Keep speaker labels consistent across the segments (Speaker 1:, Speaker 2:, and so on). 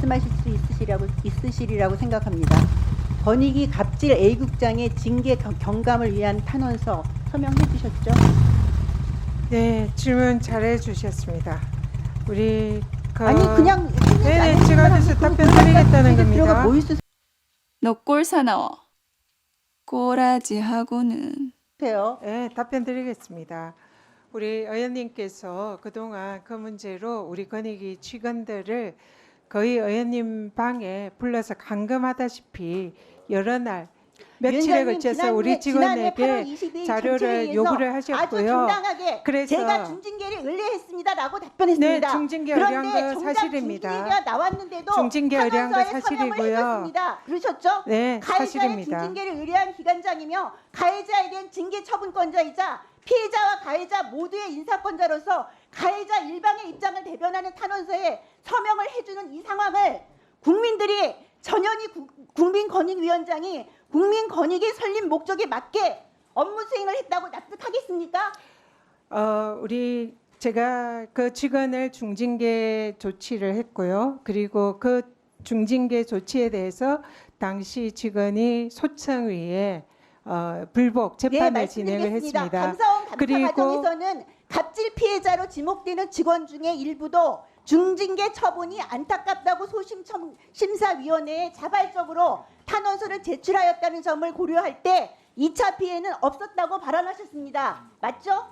Speaker 1: 말씀하실 수 있으시리라고 생각합니다. 권익위 갑질 A국장의 징계 경감을 위한 탄원서 서명해 주셨죠?
Speaker 2: 네, 질문 잘해 주셨습니다. 우리
Speaker 1: 아니 그냥
Speaker 2: 네네, 제가 그래서 답변 드리겠다는 겁니다.
Speaker 3: 너 꼴 사나워. 꼬라지 하고는.
Speaker 2: 네, 답변 드리겠습니다. 우리 의원님께서 그동안 그 문제로 우리 권익위 직원들을 거의 의원님 방에 불러서 감금하다시피 여러 날 며칠에 걸쳐서 우리 직원에게 자료를 요구를 하셨고요.
Speaker 1: 아주 정당하게
Speaker 2: 그래서
Speaker 1: 제가 중징계를 의뢰했습니다라고 답변했습니다.
Speaker 2: 네, 중징계 의뢰한 거 사실입니다.
Speaker 1: 중징계가 나왔는데도
Speaker 2: 중징계 의뢰한 거
Speaker 1: 탄원서에
Speaker 2: 사실이고요.
Speaker 1: 서명을 해줬습니다. 그러셨죠?
Speaker 2: 네,
Speaker 1: 가해자의
Speaker 2: 사실입니다.
Speaker 1: 중징계를 의뢰한 기관장이며 가해자에 대한 징계 처분권자이자 피해자와 가해자 모두의 인사권자로서 가해자 일방의 입장을 대변하는 탄원서에 서명을 해주는 이 상황을 국민들이 전현희 국민권익위원장이 국민권익의 설립 목적에 맞게 업무 수행을 했다고 납득하겠습니까?
Speaker 2: 제가 그 직원을 중징계 조치를 했고요. 그리고 그 중징계 조치에 대해서 당시 직원이 소청위에 불복 재판을 진행을 했습니다.
Speaker 1: 감사원 감사
Speaker 2: 그리고
Speaker 1: 과정에서는 갑질 피해자로 지목되는 직원 중에 일부도 중징계 처분이 안타깝다고 소심심사위원회에 자발적으로 탄원서를 제출하였다는 점을 고려할 때 2차 피해는 없었다고 발언하셨습니다. 맞죠?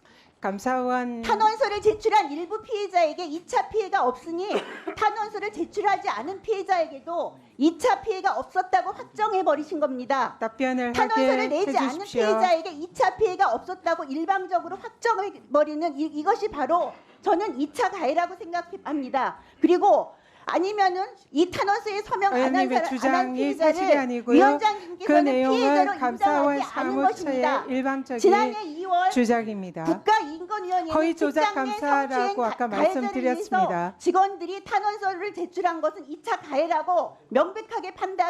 Speaker 2: 감사원
Speaker 1: 탄원서를 제출한 일부 피해자에게 2차 피해가 없으니 탄원서를 제출하지 않은 피해자에게도 2차 피해가 없었다고 확정해버리신 겁니다.
Speaker 2: 답변을
Speaker 1: 탄원서를
Speaker 2: 하게
Speaker 1: 내지 않은
Speaker 2: 해주십시오.
Speaker 1: 피해자에게 2차 피해가 없었다고 일방적으로 확정해버리는 이것이 바로 저는 2차 가해라고 생각합니다. 그리고 아니면은 이 탄원서에 서명 안 한
Speaker 2: 의원님의 주장이 사실이
Speaker 1: 피해자를
Speaker 2: 아니고요. 그
Speaker 1: 위원장님께서는 피해자로
Speaker 2: 내용은 감사원
Speaker 1: 인정하지 않은
Speaker 2: 사무처의
Speaker 1: 것입니다.
Speaker 2: 일방적인
Speaker 1: 지난해 2월
Speaker 2: 주장입니다.
Speaker 1: 국가인권위원회는
Speaker 2: 허위 조작
Speaker 1: 직장 내
Speaker 2: 감사라고
Speaker 1: 성추행
Speaker 2: 아까
Speaker 1: 가해자를
Speaker 2: 말씀드렸습니다.
Speaker 1: 위해서 직원들이 탄원서를 제출한 것은 2차 가해라고 명백하게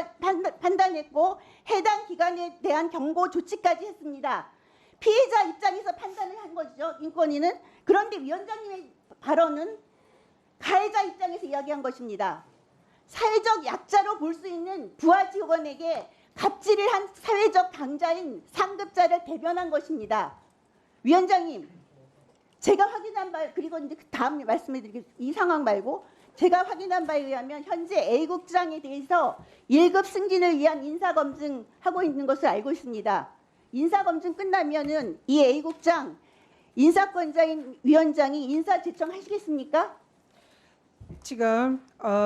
Speaker 1: 판단했고 해당 기관에 대한 경고 조치까지 했습니다. 피해자 입장에서 판단을 한 거죠. 인권위는. 그런데 위원장님의 발언은 가해자 입장에서 이야기한 것입니다. 사회적 약자로 볼 수 있는 부하 직원에게 갑질을 한 사회적 강자인 상급자를 대변한 것입니다. 위원장님, 제가 확인한 바 그리고 이제 다음 말씀을 드리겠습니다. 이 상황 말고 제가 확인한 바에 의하면 현재 A국장에 대해서 1급 승진을 위한 인사검증 하고 있는 것을 알고 있습니다. 인사검증 끝나면은 이 A국장 인사권자인 위원장이 인사 제청하시겠습니까?
Speaker 2: 지금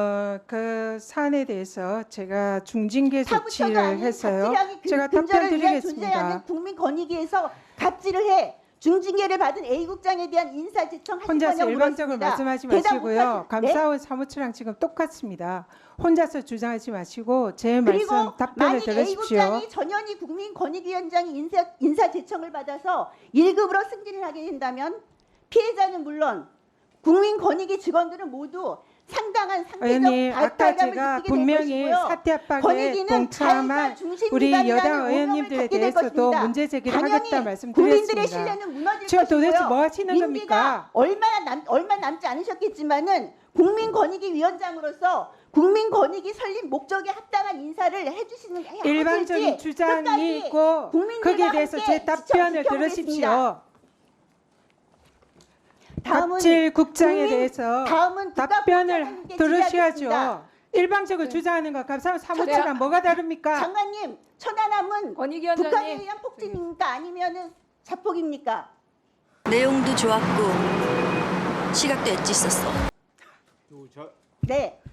Speaker 2: 그 사안에 대해서 제가 중징계 조치를 해서요. 제가 답변 드리겠습니다.
Speaker 1: 국민권익위에서 갑질을 해 중징계를 받은 A국장에 대한 인사 제청하실
Speaker 2: 혼자서
Speaker 1: 거냐고
Speaker 2: 일방적으로
Speaker 1: 물었습니다.
Speaker 2: 말씀하지
Speaker 1: 대답
Speaker 2: 마시고요.
Speaker 1: 못하시-
Speaker 2: 감사원 사무처랑 지금 똑같습니다. 혼자서 주장하지 마시고 제
Speaker 1: 그리고
Speaker 2: 말씀 답변을
Speaker 1: 만약
Speaker 2: 들으십시오.
Speaker 1: A국장이 전현희 국민권익위원장이 인사 제청을 받아서 1급으로 승진을 하게 된다면 피해자는 물론 국민권익위 직원들은 모두 상당한 상대적
Speaker 2: 의원님, 아까
Speaker 1: 박탈감을
Speaker 2: 제가
Speaker 1: 느끼게 될
Speaker 2: 분명히
Speaker 1: 것이고요.
Speaker 2: 사태 압박에
Speaker 1: 권익위는
Speaker 2: 동참한
Speaker 1: 가해자 중심
Speaker 2: 우리
Speaker 1: 기관이라는
Speaker 2: 여당
Speaker 1: 오명을
Speaker 2: 의원님들에
Speaker 1: 갖게 될
Speaker 2: 대해서도
Speaker 1: 것입니다.
Speaker 2: 문제 제기를
Speaker 1: 당연히
Speaker 2: 하겠다
Speaker 1: 국민들의
Speaker 2: 말씀드렸습니다.
Speaker 1: 신뢰는 무너질
Speaker 2: 지금 도대체
Speaker 1: 것이고요.
Speaker 2: 뭐 하시는
Speaker 1: 임기가
Speaker 2: 겁니까?
Speaker 1: 얼마 남지 않으셨겠지만은 국민권익위원장으로서 국민권익위 설립 목적에 합당한 인사를 해주시는
Speaker 2: 일방적인 주장이 있고 거기에 대해서 제 답변을 들으십시오. 갑질 국장에 대해서
Speaker 1: 다음은
Speaker 2: 답변을 들으셔야죠.
Speaker 1: 질의하겠습니다.
Speaker 2: 일방적으로 주장하는 거 감사원 사무처랑 뭐가 다릅니까?
Speaker 1: 장관님, 천안함은
Speaker 3: 권익위원장님.
Speaker 1: 북한에 의한 폭진입니까? 아니면은 자폭입니까?
Speaker 4: 내용도 좋았고 시각도 엣지 있었어.
Speaker 1: 네.